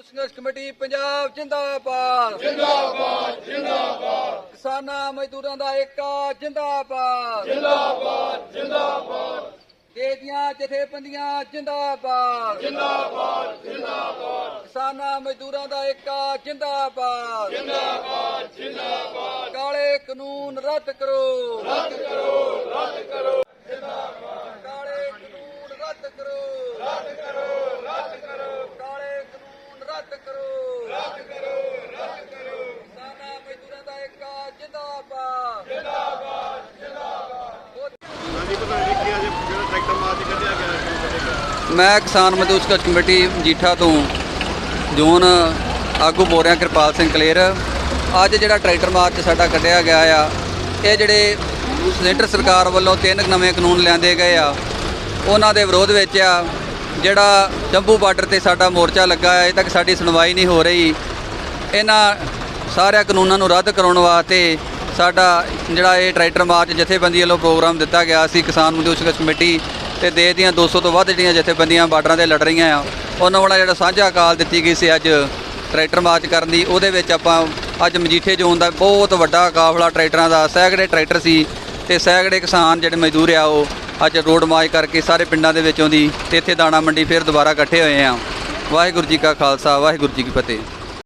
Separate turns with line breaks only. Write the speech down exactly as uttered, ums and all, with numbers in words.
ਸੰਘਰਸ਼ ਕਮੇਟੀ ਪੰਜਾਬ ਜਿੰਦਾਬਾਦ
ਜਿੰਦਾਬਾਦ ਜਿੰਦਾਬਾਦ
ਕਿਸਾਨਾਂ ਮਜ਼ਦੂਰਾਂ ਦਾ ਏਕਾ ਜਿੰਦਾਬਾਦ
ਜਿੰਦਾਬਾਦ ਜਿੰਦਾਬਾਦ
ਦੇਸ਼ ਦੀਆਂ ਜਥੇਬੰਦੀਆਂ ਜਿੰਦਾਬਾਦ
ਜਿੰਦਾਬਾਦ ਜਿੰਦਾਬਾਦ
ਕਿਸਾਨਾਂ ਮਜ਼ਦੂਰਾਂ ਦਾ ਏਕਾ ਜਿੰਦਾਬਾਦ
ਜਿੰਦਾਬਾਦ ਜਿੰਦਾਬਾਦ
ਕਾਲੇ ਕਾਨੂੰਨ ਰੱਦ ਕਰੋ
ਰੱਦ ਕਰੋ ਰੱਦ ਕਰੋ
ਕਾਲੇ ਕਾਨੂੰਨ ਰੱਦ ਕਰੋ
ਰੱਦ ਕਰੋ ਰੱਦ ਕਰੋ
ਕਾਲੇ ਕਾਨੂੰਨ ਰੱਦ ਕਰੋ
ਰੱਦ ਕਰੋ ਰੱਦ ਕਰੋ
ਕਿਸਾਨਾਂ ਮਜ਼ਦੂਰਾਂ ਦਾ ਏਕਾ ਜਿੰਦਾਬਾਦ
ਜਿੰਦਾਬਾਦ ਜਿੰਦਾਬਾਦ
ਹਾਂਜੀ ਪ੍ਰਧਾਨ ਜੀ ਕੀ ਅੱਜ ਜਿਹੜਾ ਟਰੈਕਟਰ ਮਾਰਚ ਕੱਢਿਆ ਗਿਆ ਕਿਉਂ ਕੱਢਿਆ ਗਿਆ?
ਮੈਂ ਕਿਸਾਨ ਮਜ਼ਦੂਰ ਸੰਘਰਸ਼ ਕਮੇਟੀ ਮਜੀਠਾ ਤੋਂ ਜ਼ੋਨ ਆਗੂ ਬੋਲ ਰਿਹਾ ਕਿਰਪਾਲ ਸਿੰਘ ਕਲੇਰ। ਅੱਜ ਜਿਹੜਾ ਟਰੈਕਟਰ ਮਾਰਚ ਸਾਡਾ ਕੱਢਿਆ ਗਿਆ ਆ, ਇਹ ਜਿਹੜੇ ਸੈਂਟਰ ਸਰਕਾਰ ਵੱਲੋਂ ਤਿੰਨ ਨਵੇਂ ਕਾਨੂੰਨ ਲਿਆਂਦੇ ਗਏ ਆ, ਉਹਨਾਂ ਦੇ ਵਿਰੋਧ ਵਿੱਚ ਆ। ਜਿਹੜਾ ਜੰਬੂ ਬਾਰਡਰ ਤੇ ਸਾਡਾ ਮੋਰਚਾ ਲੱਗਾ ਹੈ, ਅਜੇ ਤੱਕ ਸਾਡੀ ਸੁਣਵਾਈ ਨਹੀਂ ਹੋ ਰਹੀ। ਇਹਨਾਂ ਸਾਰਿਆਂ ਕਾਨੂੰਨਾਂ ਨੂੰ ਰੱਦ ਕਰਾਉਣ ਵਾਸਤੇ ਸਾਡਾ ਜਿਹੜਾ ਇਹ ਟਰੈਕਟਰ ਮਾਰਚ ਜਥੇਬੰਦੀ ਵੱਲੋਂ ਪ੍ਰੋਗਰਾਮ ਦਿੱਤਾ ਗਿਆ ਸੀ। ਕਿਸਾਨ ਮਜ਼ਦੂਰ ਸੰਘਰਸ਼ ਕਮੇਟੀ ਤੇ ਦੇਸ਼ ਦੀਆਂ ਦੋ ਸੌ ਤੋਂ ਵੱਧ ਜਿਹੜੀਆਂ ਜਥੇਬੰਦੀਆਂ ਬਾਰਡਰਾਂ 'ਤੇ ਲੜ ਰਹੀਆਂ ਆ, ਉਹਨਾਂ ਵਾਲਾ ਜਿਹੜਾ ਸਾਂਝਾ ਕਾਲ ਦਿੱਤੀ ਗਈ ਸੀ ਅੱਜ ਟਰੈਕਟਰ ਮਾਰਚ ਕਰਨ ਦੀ, ਉਹਦੇ ਵਿੱਚ ਆਪਾਂ ਅੱਜ ਮਜੀਠੇ ਜ਼ੋਨ ਦਾ ਬਹੁਤ ਵੱਡਾ ਕਾਫਲਾ ਟਰੈਕਟਰਾਂ ਦਾ, ਸੈਂਕੜੇ ਟਰੈਕਟਰ ਸੀ ਤੇ ਸੈਂਕੜੇ ਕਿਸਾਨ ਜਿਹੜੇ ਮਜ਼ਦੂਰ ਆ ਉਹ ਅੱਜ ਰੋਡ ਮਾਰਚ ਕਰਕੇ ਸਾਰੇ ਪਿੰਡਾਂ ਦੇ ਵਿੱਚੋਂ ਦੀ ਤੇ ਇੱਥੇ ਦਾਣਾ ਮੰਡੀ ਫਿਰ ਦੁਬਾਰਾ ਇਕੱਠੇ ਹੋਏ ਆ। ਵਾਹਿਗੁਰੂ ਜੀ ਕਾ ਖਾਲਸਾ, ਵਾਹਿਗੁਰੂ ਜੀ ਕੀ ਫਤਿਹ।